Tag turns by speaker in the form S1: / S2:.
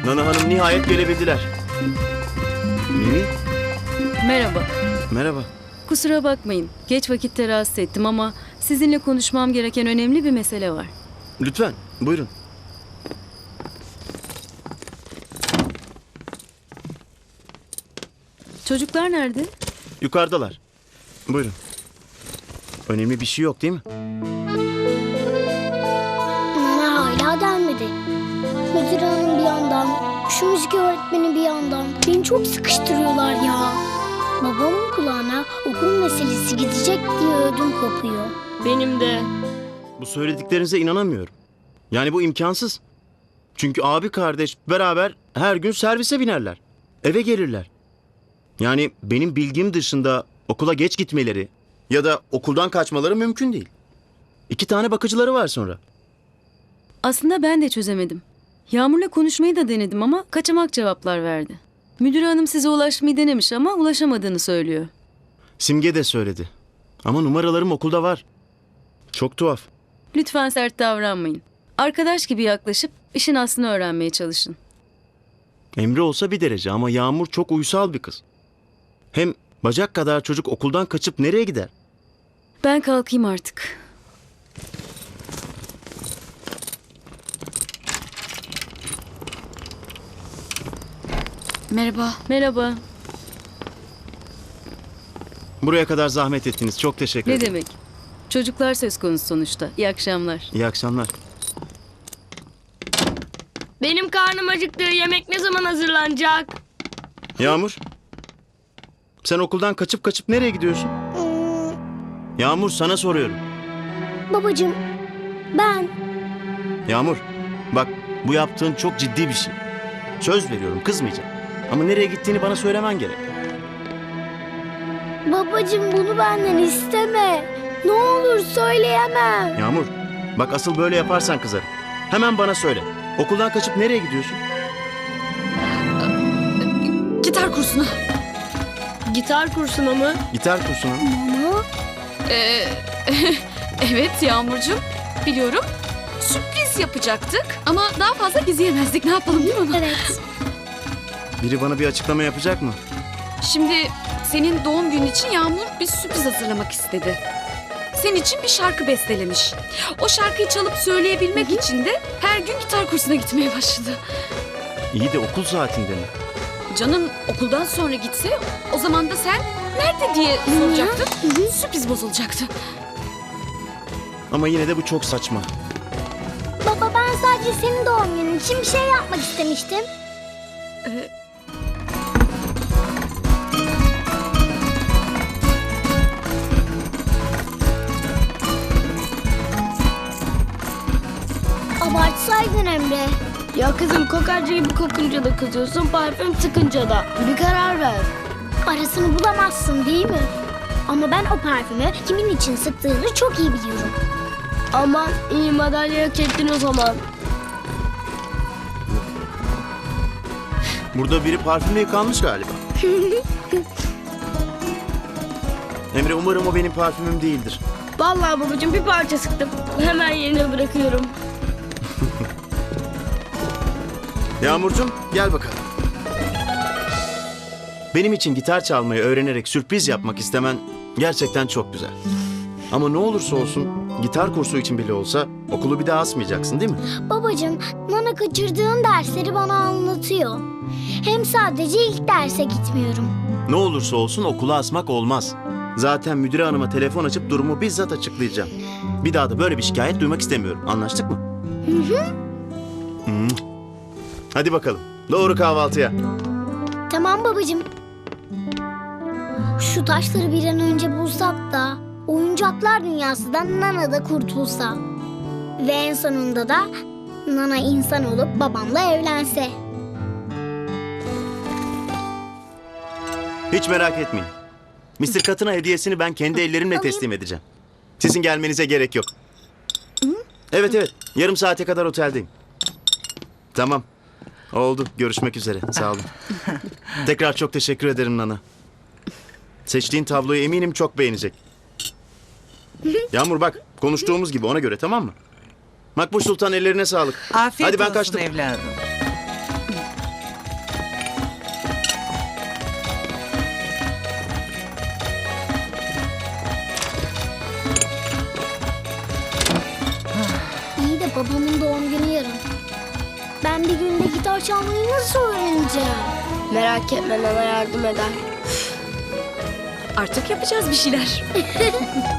S1: Nana Hanım nihayet gelebildiler. Mimi?
S2: Merhaba.
S1: Merhaba.
S2: Kusura bakmayın. Geç vakitte rahatsız ettim ama sizinle konuşmam gereken önemli bir mesele var.
S1: Lütfen buyurun.
S2: Çocuklar nerede?
S1: Yukarıdalar. Buyurun. Önemli bir şey yok değil mi?
S3: Nana hala gelmedi. Müdür hanım bir yandan, şu müzik öğretmeni bir yandan. Beni çok sıkıştırıyorlar ya. Babamın kulağına okul meselesi gidecek diye ödüm kopuyor.
S4: Benim de.
S1: Bu söylediklerinize inanamıyorum. Yani bu imkansız. Çünkü abi kardeş beraber her gün servise binerler. Eve gelirler. Yani benim bilgim dışında okula geç gitmeleri ya da okuldan kaçmaları mümkün değil. 2 tane bakıcıları var sonra.
S2: Aslında ben de çözemedim. Yağmur'la konuşmayı da denedim ama kaçamak cevaplar verdi. Müdür hanım size ulaşmayı denemiş ama ulaşamadığını söylüyor.
S1: Simge de söyledi. Ama numaralarım okulda var. Çok tuhaf.
S2: Lütfen sert davranmayın. Arkadaş gibi yaklaşıp işin aslını öğrenmeye çalışın.
S1: Emre olsa bir derece ama Yağmur çok uysal bir kız. Hem bacak kadar çocuk okuldan kaçıp nereye gider?
S2: Ben kalkayım artık.
S5: Merhaba.
S2: Merhaba.
S1: Buraya kadar zahmet ettiniz. Çok teşekkür
S2: Ne
S1: ederim.
S2: demek? Çocuklar söz konusu sonuçta. İyi akşamlar.
S1: İyi akşamlar.
S4: Benim karnım acıktı. Yemek ne zaman hazırlanacak?
S1: Yağmur. Sen okuldan kaçıp nereye gidiyorsun? Yağmur sana soruyorum.
S3: Babacığım, ben...
S1: Yağmur bak bu yaptığın çok ciddi bir şey. Söz veriyorum kızmayacağım. Ama nereye gittiğini bana söylemen gerek.
S3: Babacığım bunu benden isteme. Ne olur söyleyemem.
S1: Yağmur bak asıl böyle yaparsan kızarım. Hemen bana söyle. Okuldan kaçıp nereye gidiyorsun?
S5: Gitar kursuna.
S4: Gitar kursuna mı?
S1: Gitar kursuna.
S3: Ama
S5: Evet Yağmurcuğum. Biliyorum. Sürpriz yapacaktık ama daha fazla gizleyemezdik. Ne yapalım değil mi onu?
S3: evet.
S1: Biri bana bir açıklama yapacak mı?
S5: Şimdi senin doğum günün için Yağmur bir sürpriz hazırlamak istedi. Senin için bir şarkı bestelemiş. O şarkıyı çalıp söyleyebilmek için de her gün gitar kursuna gitmeye başladı.
S1: İyi de okul saatinde mi?
S5: Canım okuldan sonra gitse o zaman da sen nerede diye soracaktın. Sürpriz bozulacaktı.
S1: Ama yine de bu çok saçma.
S3: Baba ben sadece senin doğum günün için bir şey yapmak istemiştim. Abartsaydın Emre.
S4: Ya kızım kokarca gibi kokunca da kızıyorsun, parfüm sıkınca da. Bir karar ver.
S3: Arasını bulamazsın değil mi? Ama ben o parfümü kimin için sıktığını çok iyi biliyorum.
S4: Aman iyi madalya hak ettin o zaman.
S1: Burada biri parfümle yıkanmış galiba. Emre umarım o benim parfümüm değildir.
S4: Vallahi babacığım bir parça sıktım. Hemen yerine bırakıyorum.
S1: Yağmurcuğum gel bakalım. Benim için gitar çalmayı öğrenerek sürpriz yapmak istemen gerçekten çok güzel. Ama ne olursa olsun gitar kursu için bile olsa okulu bir daha asmayacaksın değil mi?
S3: Babacığım, Nana kaçırdığın dersleri bana anlatıyor. Hem sadece ilk derse gitmiyorum.
S1: Ne olursa olsun okula asmak olmaz. Zaten müdüre hanıma telefon açıp durumu bizzat açıklayacağım. Bir daha da böyle bir şikayet duymak istemiyorum. Anlaştık mı? Hı. Hadi bakalım. Doğru kahvaltıya.
S3: Tamam babacığım. Şu taşları bir an önce bulsak da oyuncaklar dünyasından Nana da kurtulsa. Ve en sonunda da Nana insan olup babamla evlense.
S1: Hiç merak etmeyin. Mr. Katına hediyesini ben kendi ellerimle teslim edeceğim. Sizin gelmenize gerek yok. Evet. Yarım saate kadar oteldeyim. Tamam. Oldu. Görüşmek üzere. Sağ olun. Tekrar çok teşekkür ederim Nana. Seçtiğin tabloyu eminim çok beğenecek. Yağmur bak konuştuğumuz gibi ona göre tamam mı? Makbuş Sultan ellerine sağlık.
S6: Afiyet
S1: Hadi ben
S6: olsun
S1: kaçtım.
S6: evladım.
S3: Babamın doğum günü yarın. Ben bir günde gitar çalmayı nasıl öğreneceğim?
S4: Merak etme, Nana yardım eder.
S5: Artık yapacağız bir şeyler.